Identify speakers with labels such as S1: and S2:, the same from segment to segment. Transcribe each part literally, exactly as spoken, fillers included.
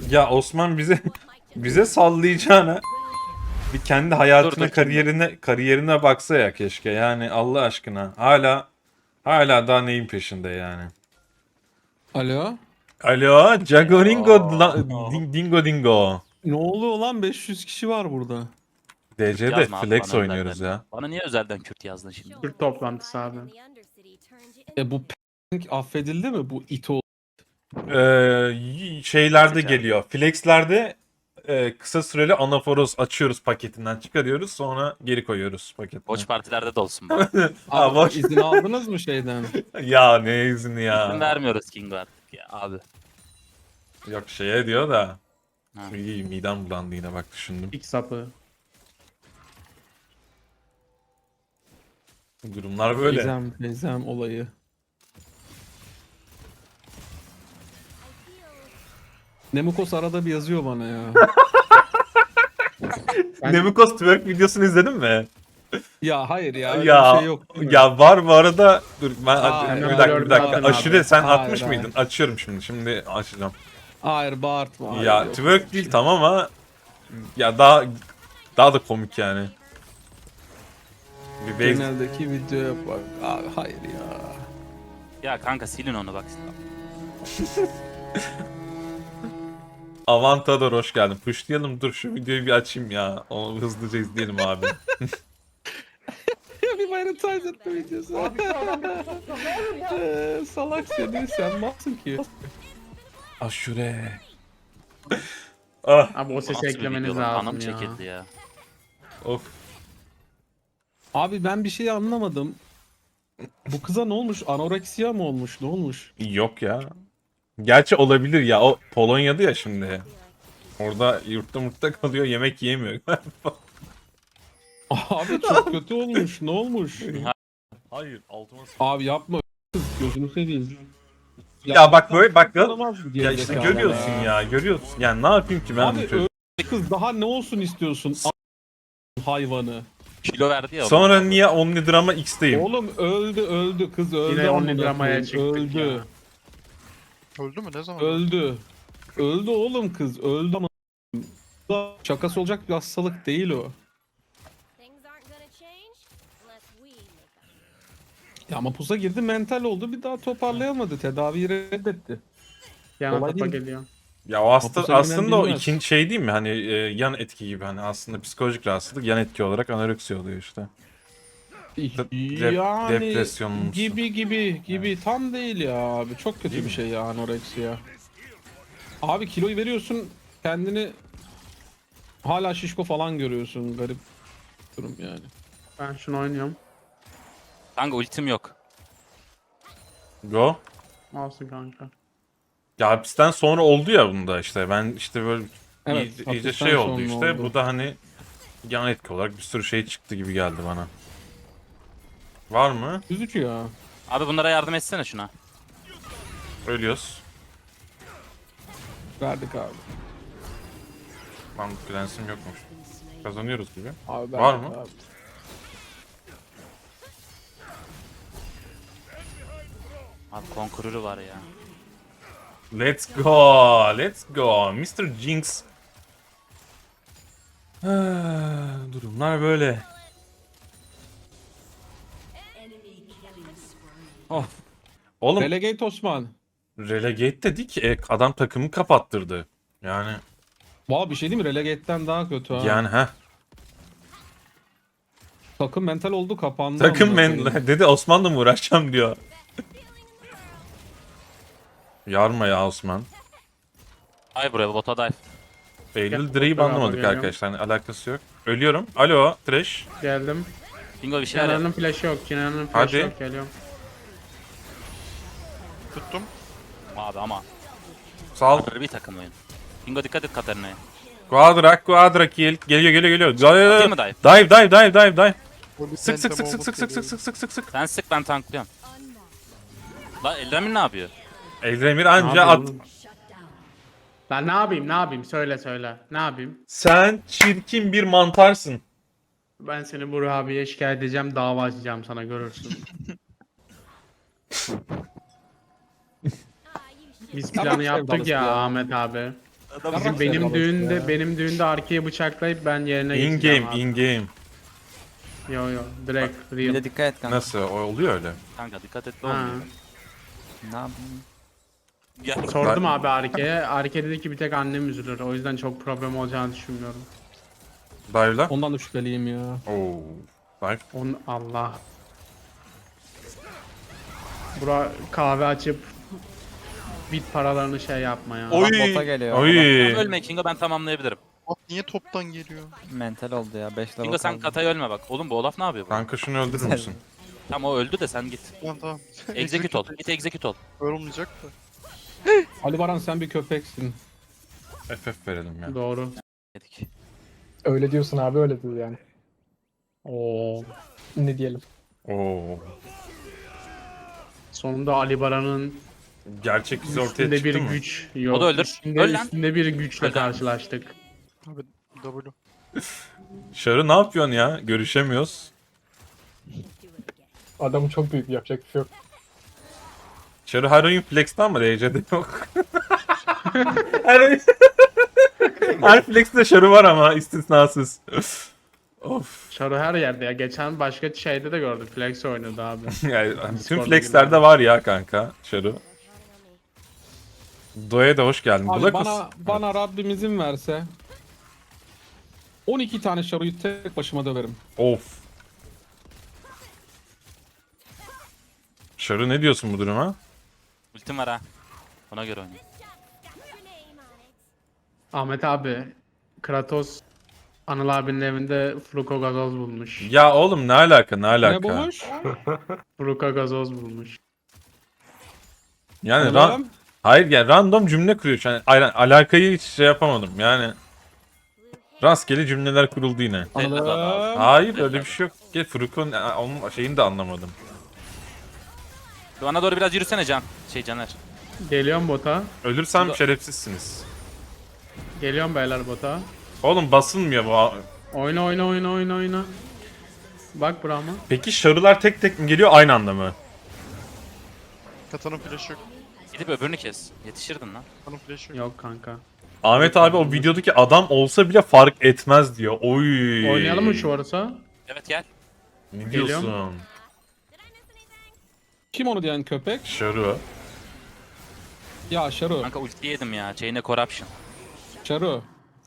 S1: Ya Osman bize bize sallayacağına bir kendi hayatına,
S2: Dur, dur,
S1: kariyerine kariyerine baksa ya keşke. Yani Allah aşkına. Hala hala daha neyin peşinde yani.
S3: Alo?
S1: Alo, Jagoringo la-
S2: Oo.
S1: Ding- Dingo Dingo.
S3: Ne oluyor lan? beş yüz kişi var burada.
S2: Kürt
S1: D C'de
S2: yazma abi
S1: flex
S2: bana
S1: oynuyoruz
S2: özelden.
S1: ya.
S2: Bana niye özelden Kürt yazdın şimdi?
S4: Türk toplantısı abi.
S3: E bu p*** affedildi mi? Bu ito.
S1: Ee, y- şeylerde
S2: Sıcak.
S1: geliyor. Flex'lerde e, kısa süreli anaforoz açıyoruz, paketinden çıkarıyoruz, sonra geri koyuyoruz paketine.
S2: Boş partilerde de olsun bu.
S1: Ha,
S3: Abi
S1: boş.
S3: izin aldınız mı şeyden?
S1: Ya ne izni
S2: İzin
S1: ya.
S2: vermiyoruz Kingo artık ya abi.
S1: Yok şeye diyor da.
S2: Ha.
S1: İyi, midem bulandı yine bak düşündüm.
S4: İlk sapı.
S1: Durumlar böyle.
S3: Teyzem, teyzem olayı. Nemukos arada bir yazıyor bana ya.
S4: Ben-
S1: Nemikos twerk videosunu izledin mi?
S3: Ya hayır ya öyle
S1: Ya
S3: bir şey yok. değil mi?
S1: ya var bu arada. Dur ben
S3: Aa,
S1: bir
S4: hemen
S1: dakika bir
S4: gördüm
S1: dakika.
S4: zaten
S1: Aşure
S4: abi.
S1: sen
S3: Hayır,
S1: atmış
S3: hayır.
S1: mıydın? Açıyorum şimdi. Şimdi açacağım.
S3: Hayır bağırtma. Hayır,
S1: Ya
S3: yok.
S1: twerk değil tamam ama ya daha daha da komik yani. Bir base...
S3: Geneldeki videoya bak. Abi hayır ya.
S2: Ya kanka silin onu bak.
S1: Avantador hoş geldin. Pushlayalım dur şu videoyu bir açayım ya. Onu hızlıca izleyelim abi.
S3: Ya bir Valentine's etme videosu. Eee, Salak seni sen malsın ki.
S1: Aşure. Ah
S4: Abi o sesi
S2: Nasıl bir
S4: eklemeniz
S2: video lan?
S4: lazım
S2: Anam
S4: ya.
S2: çekildi ya.
S1: of.
S3: Abi ben bir şey anlamadım. Bu kıza ne olmuş? Anoreksiya mı olmuş? Ne olmuş?
S1: Yok ya. Gerçi olabilir ya. O Polonya'da ya şimdi. Orada yurtta murtta kalıyor, yemek yiyemiyor.
S3: Abi çok kötü olmuş. Ne olmuş?
S1: Hayır, altıma
S3: Abi yapma kız gözünü seveyim.
S1: Ya bak böyle bak ya,
S3: Tanımaz bu
S1: ya işte
S3: gerizekalı
S1: görüyorsun ya, görüyorsun. Yani ne yapayım ki ben
S3: Abi
S1: bu çocuk?
S3: öyle kız daha ne olsun istiyorsun? A- hayvanı.
S2: Kilo verdi ya. o
S1: Sonra
S2: bana.
S1: niye Omni Drama X'teyim?
S3: Oğlum öldü öldü kız öldü.
S4: Yine
S3: amına
S4: only dramaya
S3: koyayım,
S4: çıktık
S3: öldü.
S4: ya.
S5: Öldü mü? Ne zaman?
S3: Öldü. Öldü oğlum kız öldü ama şakası olacak bir hastalık değil o. Ya ama pusa girdi mental oldu bir daha toparlayamadı tedaviyi reddetti.
S4: Yana
S3: Kolay
S4: tapa
S3: değil.
S4: geliyor.
S1: Ya o hasta,
S3: Hapus elinden
S1: aslında o
S3: bilmez.
S1: ikinci şey değil mi? Hani e, yan etki gibi hani aslında psikolojik rahatsızlık yan etki olarak anoreksi oluyor işte. Dep-
S3: Yani
S1: depresyonumsu.
S3: gibi gibi gibi tam değil ya abi çok kötü
S1: Değil
S3: bir
S1: mi?
S3: şey ya anoreksiya. Abi kiloyu veriyorsun kendini hala şişko falan görüyorsun garip durum yani.
S4: Ben şunu oynuyorum.
S2: Kanka ultim yok.
S1: Go.
S4: Olsun kanka.
S1: Ya hapisten sonra oldu ya bunda işte. Ben işte böyle
S3: Evet,
S1: iyice, iyice
S3: hapisten
S1: şey oldu
S3: sonra
S1: işte.
S3: oldu.
S1: Bu da hani yan etki olarak bir sürü şey çıktı gibi geldi bana. Var mı?
S3: Üzücü ya.
S2: Abi bunlara yardım etsene şuna.
S1: Ölüyoruz.
S3: Verdik abi.
S1: Lan prensim yokmuş. Kazanıyoruz gibi.
S3: Abi
S1: Var
S3: verdik
S1: mı?
S3: Abi.
S2: Abi konkururu var ya.
S1: Let's go. Let's go. mister Jinx. Ah, durumlar böyle.
S2: Oh.
S1: Oğlum
S3: Relegate Osman.
S1: relegate dedik. E, adam takımı kapattırdı. Yani
S3: Valla bir şey değil mi? Relegate'den daha kötü ha.
S1: yani ha.
S3: Takım mental oldu kapandı.
S1: Takım
S3: amına
S1: men
S3: koyayım.
S1: dedi Osman'la mı uğraşacağım diyor. Yarma ya Osman.
S2: Ay buraya bota dive.
S1: Eylül
S4: Gel,
S1: Dre'yi
S4: beraber
S1: banlamadık
S4: geliyorum.
S1: arkadaşlar. Yani alakası yok. Ölüyorum. Alo Trash.
S4: Geldim.
S2: Bingo bir şeyler yap.
S4: Kenan'ın flash'ı yok. Kenan'ın flash'ı
S1: Hadi.
S4: yok. Geliyorum.
S5: Tuttum.
S2: Abi ama.
S1: Sal.
S2: Bir takım oyun. Bingo dikkat et Katarina'ya.
S1: Quadra, Quadra kill. Geliyor geliyor geliyor.
S2: Atayım mı
S1: Dive
S2: dive?
S1: dive dive dive dive.
S5: Böyle
S1: Sık sık sık
S5: penta
S1: sık sık sık sık
S5: geliyor.
S1: sık sık sık sık.
S2: Sen sık ben tanklıyorum. La Eldramir ne yapıyor?
S1: Eldemir
S4: Ne
S1: anca
S4: yapayım
S1: at.
S4: oğlum? Lan ne yapayım ne yapayım söyle söyle. Ne yapayım?
S1: Sen çirkin bir mantarsın.
S4: Ben seni Burak abiye şikayet edeceğim. Dava açacağım sana görürsün. Biz
S3: Ya
S4: planı
S3: bak
S4: yaptık
S3: sevdalısı
S4: ya
S3: ya.
S4: Ahmet abi.
S2: Adam
S3: Yarrak
S4: Bizim benim
S3: sevdalık
S4: düğünde
S3: ya.
S4: benim düğünde arkaya bıçaklayıp ben yerine
S1: In
S4: geçeceğim
S1: game,
S4: abi.
S1: in game.
S4: Yo yo direkt
S6: Bir
S4: real.
S6: de dikkat et kanka.
S1: Nasıl? O oluyor öyle.
S2: Kanka dikkat et de
S4: Ha.
S2: olmuyor.
S6: Ne yapayım?
S2: Gel.
S4: Sordum abi Arke'ye. Arke dedi ki bir tek annem üzülür. O yüzden çok problem olacağını düşünmüyorum.
S1: Dive'la.
S3: Ondan da şüpheliyim ya.
S1: Oo. Dive.
S4: On Allah. Bura kahve açıp bit paralarını şey yapma ya.
S2: Oy.
S6: Bak bota geliyor.
S1: Oy.
S2: Ölme Kingo, ben tamamlayabilirim.
S5: Bak niye toptan geliyor?
S6: Mental oldu ya. beş level
S2: Kingo sen
S6: kaldı.
S2: Kata'ya ölme bak. Oğlum bu Olaf ne yapıyor bu?
S1: Kanka şunu öldürür müsün?
S2: Tamam o öldü de sen git.
S5: Tamam tamam.
S2: Execute ol. Git execute ol.
S5: Yorulmayacak da.
S3: Ali Baran sen bir köpeksin.
S1: F F verelim ya.
S4: Doğru.
S2: Dedik.
S7: Öyle diyorsun abi öyledir yani.
S4: Oo.
S7: Ne diyelim.
S1: Oo.
S4: Sonunda Ali Baran'ın
S1: Gerçek yüzü ortaya
S4: üstünde bir
S1: çıktı mı?
S4: güç yok.
S2: O da öldür.
S4: Üstünde,
S2: Öl lan.
S4: üstünde bir güçle
S2: Öl lan.
S4: karşılaştık.
S5: Abi W.
S1: Şarı ne yapıyorsun ya? Görüşemiyoruz.
S7: Adam çok büyük yapacak bir şey yok.
S1: Şarı her oyun flex'te ama R C'de yok. her oyun... her flex'te şarı var ama istisnasız. of.
S4: Şaru her yerde ya. Geçen başka şeyde de gördük. Flex oynadı abi.
S1: Yani bütün
S4: Discord'da
S1: flex'lerde
S4: gibi.
S1: var ya kanka şarı. Doya da hoş geldin.
S3: Abi
S1: Burak
S3: bana
S1: mısın?
S3: bana Rabbim izin verse on iki tane şaruyu tek başıma döverim.
S1: Of. Şarı ne diyorsun bu duruma?
S2: Ultim var ha. Ona göre oynayın.
S4: Ahmet abi. Kratos Anıl abinin evinde Fruko gazoz bulmuş.
S1: Ya oğlum ne alaka ne alaka?
S3: Ne bulmuş?
S4: Fruko gazoz bulmuş.
S1: Yani ran...
S3: Oğlum,
S1: Hayır yani random cümle kuruyor. Yani aynen, alakayı hiç şey yapamadım yani. Rastgele cümleler kuruldu yine.
S3: Anladım.
S1: Hayır öyle bir şey yok. Gel Furuk'un onun şeyini de anlamadım.
S2: Bana doğru biraz yürüsene Can. Şey Caner.
S4: Geliyorum bota.
S1: Ölürsem şerefsizsiniz.
S4: Geliyorum beyler bota.
S1: Oğlum basılmıyor bu.
S4: Oyna oyna oyna oyna oyna. Bak Brahma.
S1: Peki şarılar tek tek mi geliyor aynı anda mı?
S5: Katanın flash'ı yok.
S2: Gidip öbürünü kes. Yetişirdin lan.
S5: Katanın flash'ı yok.
S4: Yok kanka.
S1: Ahmet abi o videodaki adam olsa bile fark etmez diyor. Oy.
S4: Oynayalım mı şu arası?
S2: Evet gel.
S1: Ne
S4: Geliyorum.
S1: diyorsun?
S3: Kim onu diyen köpek?
S1: Şarı.
S3: Ya Şaru.
S2: Kanka ulti yedim ya. Chain'e corruption.
S3: Şaru.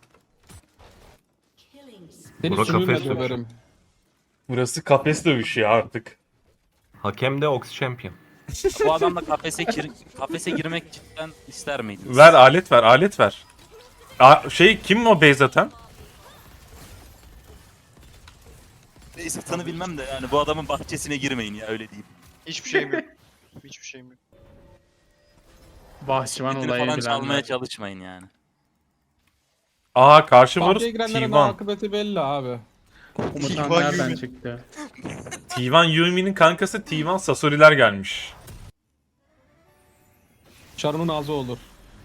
S3: Seni
S8: Burak
S3: sümüğümle
S8: kafes
S3: döverim.
S1: Burası kafes dövüşü ya artık.
S8: Hakem de Ox Champion.
S2: Bu adamla kafese, gir kafese girmek cidden ister miydiniz?
S1: Ver alet ver alet ver. A şey kim o base atan?
S2: Neyse tanı bilmem de yani bu adamın bahçesine girmeyin ya öyle diyeyim.
S5: Hiçbir şeyim yok. Hiçbir şeyim yok.
S4: Bahçıvan
S2: Gidini
S4: olayı
S2: falan çalmaya
S4: bilenler.
S2: çalışmayın yani.
S1: Aa karşı varız
S3: Bahçeye girenlerin
S1: T bir.
S3: akıbeti belli abi.
S4: Komutan
S5: T bir
S4: nereden
S5: Yumi.
S4: çıktı?
S1: T bir Yumi'nin kankası T bir Sasori'ler gelmiş.
S3: Şaru'nun ağzı olur.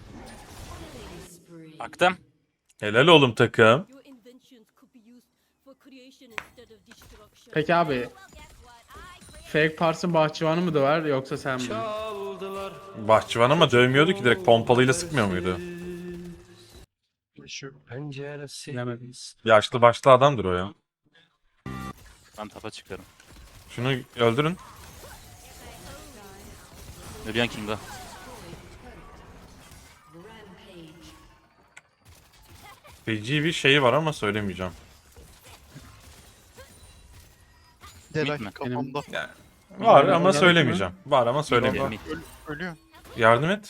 S2: Baktım.
S1: Helal oğlum takım.
S9: Your inventions could be used for creation instead of destruction.
S4: Peki abi. Fake Pars'ın bahçıvanı mı döver yoksa sen mi?
S1: Bahçıvan ama dövmüyordu ki direkt pompalıyla sıkmıyor muydu?
S5: Flash'ı yok.
S4: Bilemedim.
S1: Yaşlı başlı adamdır o ya.
S2: Ben tapa çıkıyorum.
S1: Şunu öldürün.
S2: Ölüyen Kingo.
S1: Feci bir şeyi var ama söylemeyeceğim.
S5: Delay
S2: mi?
S5: kafamda.
S1: Var
S4: Öyle
S1: ama
S4: olacak
S1: söylemeyeceğim. Var ama söylemeyeceğim.
S2: Mid.
S5: Öl ölüyor.
S1: Yardım et.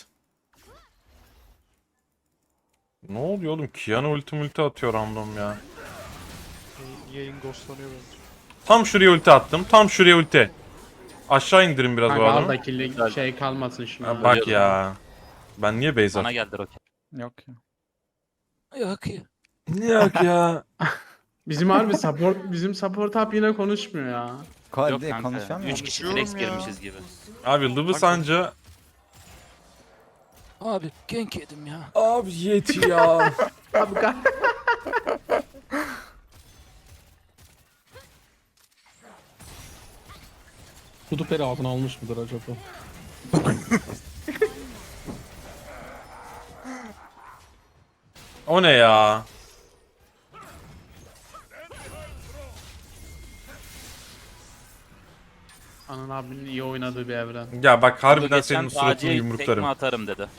S1: Ne oluyor oğlum? Kiana ulti multi atıyor random ya.
S5: Yayın- Yayın ghostlanıyor bence.
S1: Tam şuraya ulti attım. Tam şuraya ulti. Aşağı indirin biraz bu
S4: Kanka al
S1: adamı.
S4: da killi şey kalmasın şimdi.
S1: Ha, bak ya. Ben niye base
S2: Bana
S1: attım?
S2: geldi roket.
S6: Yok ya.
S2: Yok ya.
S1: Yok ya.
S4: Bizim harbi support bizim support up yine konuşmuyor ya.
S6: Ko
S2: Yok
S6: de,
S2: kanka.
S6: konuşuyor mu?
S2: üç kişi
S5: Konuşuyorum
S2: flex
S5: ya.
S2: girmişiz gibi.
S1: Abi Lubus anca...
S2: Abi gank yedim ya.
S1: Abi yeti ya.
S4: Abi ka-
S3: Kudu peri ağzına almış mıdır acaba?
S1: O ne ya?
S4: Anıl abinin iyi oynadığı bir evren.
S1: Ya bak
S2: Bu
S1: harbiden
S2: geçen
S1: senin suratını
S2: Taci'ye
S1: yumruklarım.
S2: tekme atarım dedi.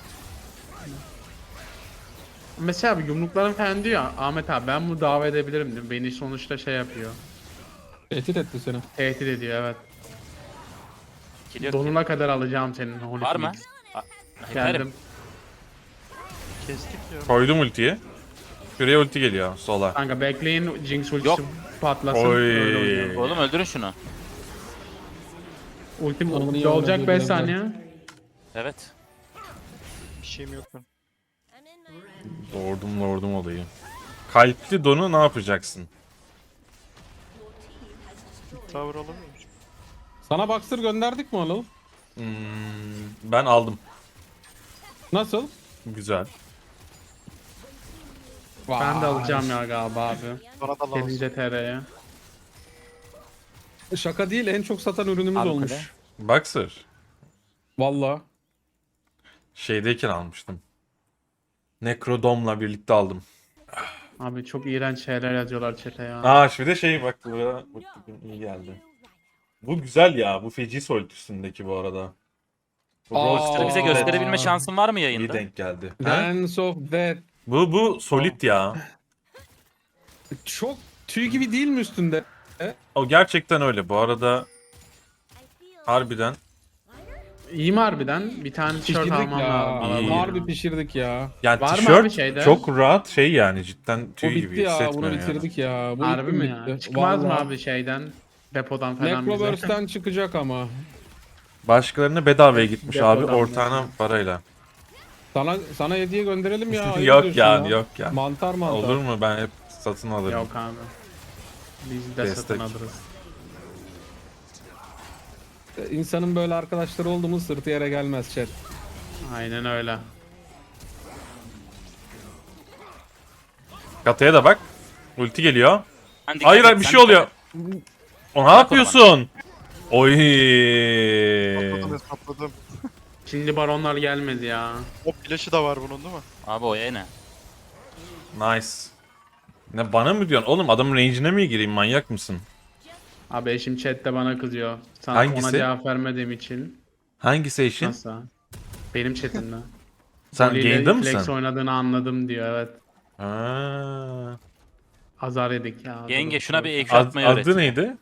S4: Mesela abi yumruklarım falan diyor ya, Ahmet abi ben bunu dava edebilirim diyor. Beni sonuçta şey yapıyor.
S3: Tehdit etti seni.
S4: Tehdit ediyor evet.
S2: Kill yok ki.
S4: Donuna kadar alacağım senin Holy
S2: Var mı?
S4: Phoenix.
S2: A-
S4: Geldim.
S2: Yaparım.
S5: Kestik ya.
S1: Koydum ultiyi. Şuraya ulti geliyor sola.
S4: Kanka bekleyin Jinx ultisi
S2: Yok.
S4: patlasın.
S1: Oy.
S4: Öyle oynayalım.
S2: Oğlum öldürün şunu.
S4: Ultim
S3: Onun iyi
S4: olacak
S3: oynadığı
S4: beş
S3: bir
S4: saniye.
S2: Evet.
S5: Bir şeyim yok benim.
S9: I'm in my
S1: Lordum lordum olayı. Kalpli donu ne yapacaksın?
S5: Tower alamıyor musun?
S3: Sana Boxer gönderdik mi Anıl?
S1: Hmm, ben aldım.
S3: Nasıl?
S1: Güzel.
S4: Ben de alacağım ya galiba abi.
S5: Bana da lazım.
S4: Gelince T R'ye.
S3: Şaka değil, en çok satan ürünümüz
S6: Abi
S3: olmuş.
S6: kule.
S1: Boxer.
S3: Valla.
S1: Şeydeyken almıştım. Necrodom'la birlikte aldım.
S4: Abi çok iğrenç şeyler yazıyorlar chat'e ya.
S1: Aa şu bir de şey bak bu ya, bu iyi geldi. Bu güzel ya. Bu feci solt üstündeki bu arada. Bu
S3: Aa.
S1: Brawl
S2: Boxer'ı bize
S1: Stars'ta
S2: gösterebilme şansın var mı
S1: iyi
S2: yayında?
S1: denk geldi. Ha?
S3: Dance of Death.
S1: Bu bu solid ya.
S3: Çok tüy gibi değil mi üstünde?
S1: O gerçekten öyle. Bu arada harbiden
S4: İyi mi harbiden? Bir tane tişört
S3: Pişirdik
S4: almam
S3: ya.
S4: lazım.
S1: İyi.
S3: Harbi pişirdik ya.
S1: yani
S4: Var mı abi
S1: tişört
S4: şeyde?
S1: çok rahat şey yani cidden
S3: Bu
S1: tüy
S3: bitti
S1: gibi
S3: ya. Bunu
S1: hissetmiyor yani.
S3: bitirdik ya. Bu
S4: Harbi
S3: ilk
S4: mi
S3: gün
S4: ya?
S3: bitti.
S4: Çıkmaz mı
S3: Vallahi.
S4: abi şeyden? Depodan falan bize.
S3: Necroverse'den çıkacak ama.
S1: Başkalarına bedavaya gitmiş abi
S4: Depodan
S1: ortağına parayla.
S3: Sana sana hediye gönderelim ya. ayıp
S1: yok
S3: ediyorsun
S1: yani yok ya.
S3: Mantar mantar.
S1: Olur mu ben hep satın alırım.
S4: Yok abi. Biz de
S1: Destek.
S4: satın alırız.
S3: İnsanın böyle arkadaşları oldu mu sırtı yere gelmez chat.
S4: Aynen öyle.
S1: Kataya da bak. Ulti geliyor.
S2: Sen dikkat
S1: Hayır
S2: et,
S1: hayır bir
S2: sen
S1: şey
S2: dikkat
S1: oluyor.
S2: et.
S1: O ne yapıyorsun? Oy.
S5: Hesapladım hesapladım.
S4: Şimdi baronlar gelmedi ya.
S5: O flash'ı da var bunun değil mi?
S2: Abi o ya ne?
S1: Nice. Ne bana mı diyorsun? Oğlum adamın range'ine mi gireyim manyak mısın?
S4: Abi eşim chatte bana kızıyor. Sana
S1: Hangisi?
S4: ona cevap vermediğim için.
S1: Hangisi eşin?
S4: Nasıl? Benim chatimde.
S1: Sen
S4: Oli ile
S1: game'de
S4: Flex
S1: misin?
S4: oynadığını anladım diyor evet.
S1: Ha.
S4: Azar yedik ya.
S2: Yenge şuna bir
S4: Ad-
S2: ekşi
S1: Ad,
S2: atmayı öğret.
S1: adı neydi?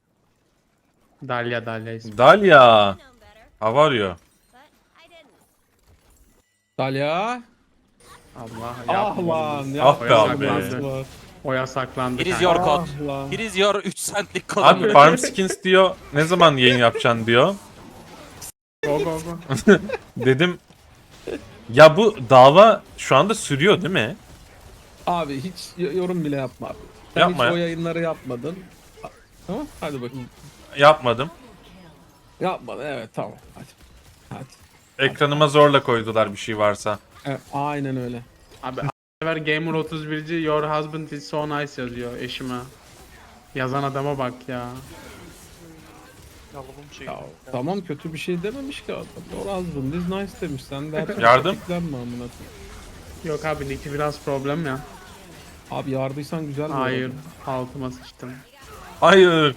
S4: Dalya Dalya ismi.
S1: Dalia.
S9: known better,
S1: How are you?
S9: but I didn't.
S3: Talya.
S4: Allah
S3: Ah
S4: yapma.
S3: lan.
S1: Ah be
S3: yapma.
S1: abi.
S3: Yapma.
S4: O yasaklandı.
S2: Here is
S4: kanka.
S2: your code.
S3: Ah lan.
S2: Here is your üç centlik
S1: Abi
S2: kodum.
S1: Farm Skins diyor. Ne zaman yayın yapacaksın diyor.
S4: Go go go.
S1: Dedim. Ya bu dava şu anda sürüyor değil mi?
S3: Abi hiç y- yorum bile yapma abi. Sen
S1: Yapma
S3: hiç
S1: ya.
S3: o yayınları yapmadın. Tamam hadi bakayım.
S1: Yapmadım.
S3: Yapmadın evet tamam hadi. Hadi.
S1: Ekranıma zorla koydular bir şey varsa.
S3: Evet, aynen öyle.
S4: Abi sefer Gamer otuz birci Your husband is so nice yazıyor eşime. Yazan adama bak ya.
S5: Alalım şey.
S3: Ya, tamam kötü bir şey dememiş ki adam. Your husband is nice demiş. Sen de her şeye
S1: Yardım.
S3: tetiklenme amına koyayım.
S4: Yok abi Nick'i biraz problem ya.
S3: Abi yardıysan güzel bir
S4: Hayır.
S3: adam.
S4: Altıma sıçtım.
S1: Hayır.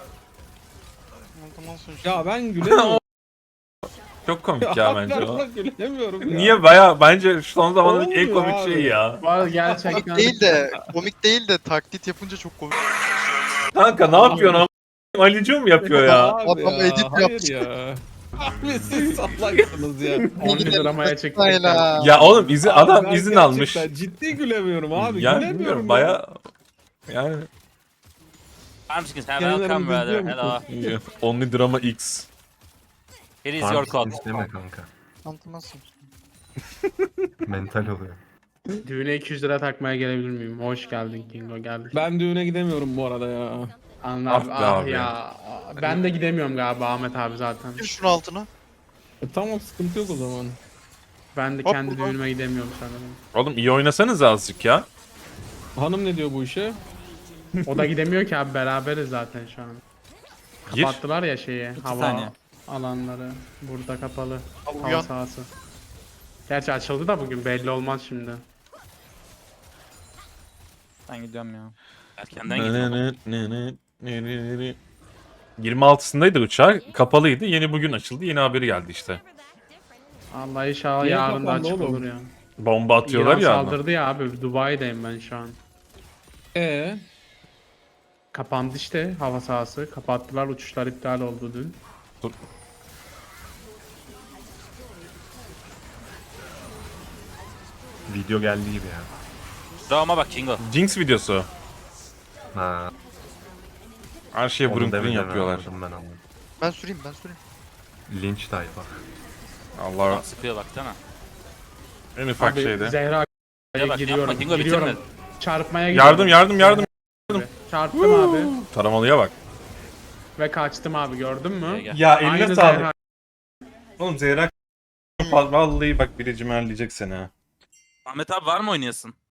S5: Ondan sonra işte.
S3: Ya ben gülemiyorum.
S1: Çok komik ya bence
S3: ben
S1: o.
S3: buna gülemiyorum ya.
S1: Niye baya bence şu son zamanların en
S3: Olmuyor
S1: komik
S3: abi.
S1: şeyi ya.
S4: Bu arada gerçekten.
S5: Komik değil de, komik değil de taklit yapınca çok komik.
S1: Kanka ne yapıyorsun ama? Ali'cim yapıyor ya.
S3: Abi
S5: Adam
S3: ya,
S5: edit
S3: hayır
S5: yaptı.
S3: ya. Abi siz salaksınız ya.
S4: on dramaya çıktık.
S5: Hayla.
S1: Ya oğlum izin
S3: Abi
S1: adam
S3: ben
S1: izin almış.
S3: gerçekten Ciddi gülemiyorum abi.
S1: Ya
S3: gülemiyorum
S1: bilmiyorum
S3: ya.
S1: baya yani
S2: I'm just gonna
S3: Kendilerini
S2: welcome brother.
S3: izliyor
S2: Hello.
S1: Only Drama X.
S2: Here is
S8: Farm
S2: your code.
S8: skins deme kanka.
S5: Anlamazsın.
S8: Mental oluyor.
S4: Düğüne iki yüz lira takmaya gelebilir miyim? Hoş geldin Kingo geldik.
S3: Ben düğüne gidemiyorum bu arada ya.
S4: Anla
S1: Ah
S4: abi,
S1: be
S4: ah
S1: abi.
S4: ya. Ben de gidemiyorum galiba Ahmet abi zaten.
S5: Gir şunun altına.
S3: E, tamam sıkıntı yok o zaman.
S4: Ben de
S5: Hop,
S4: kendi
S5: hop.
S4: düğünüme gidemiyorum sanırım.
S1: Oğlum iyi oynasanız azıcık ya.
S3: Hanım ne diyor bu işe?
S4: O da gidemiyor ki abi beraberiz zaten şu an.
S1: Gir.
S4: Kapattılar ya şeyi hava
S6: saniye.
S4: alanları. Burada kapalı.
S5: Al
S4: Hava
S5: uyan.
S4: sahası. Gerçi açıldı da bugün belli olmaz şimdi.
S6: Ben gidiyorum ya.
S2: Erkenden gidiyorum.
S1: yirmi altısındaydı uçak. Kapalıydı. Yeni bugün açıldı. Yeni haberi geldi işte.
S4: Allah inşallah
S3: Niye
S4: yarın da
S3: kapandı
S4: açık
S3: oğlum?
S4: olur ya.
S1: Bomba atıyorlar
S4: İran
S1: ya. ama.
S4: saldırdı ya abi. Dubai'deyim ben şu an.
S3: Ee,
S4: Kapandı işte hava sahası. Kapattılar, uçuşlar iptal oldu dün.
S1: Dur.
S8: Video geldi gibi ya.
S2: Drama bak Kingo.
S1: Jinx videosu.
S8: Ha.
S1: Her şeye
S8: onu
S1: burun burun
S8: demeden
S1: yapıyorlar.
S8: anladım, ben anladım.
S5: Ben süreyim ben süreyim.
S8: Linç tayfa.
S1: Allah
S2: Sıkıyor baksana.
S1: en ufak
S4: Abi
S1: şeyde.
S4: Zehra
S2: Ya bak
S4: giriyorum.
S2: yapma Kingo
S4: giriyorum.
S2: bitirme.
S4: Çarpmaya gidiyorum.
S1: Yardım yardım yardım.
S4: Çarptım abi.
S1: Taramalıya bak.
S4: Ve kaçtım abi, gördün mü?
S2: Gel, gel.
S1: Ya
S4: Aynı Zehra.
S1: Oğlum Zehra vallahi bak biri cimerleyecek seni ha.
S2: Ahmet abi var mı oynayasın?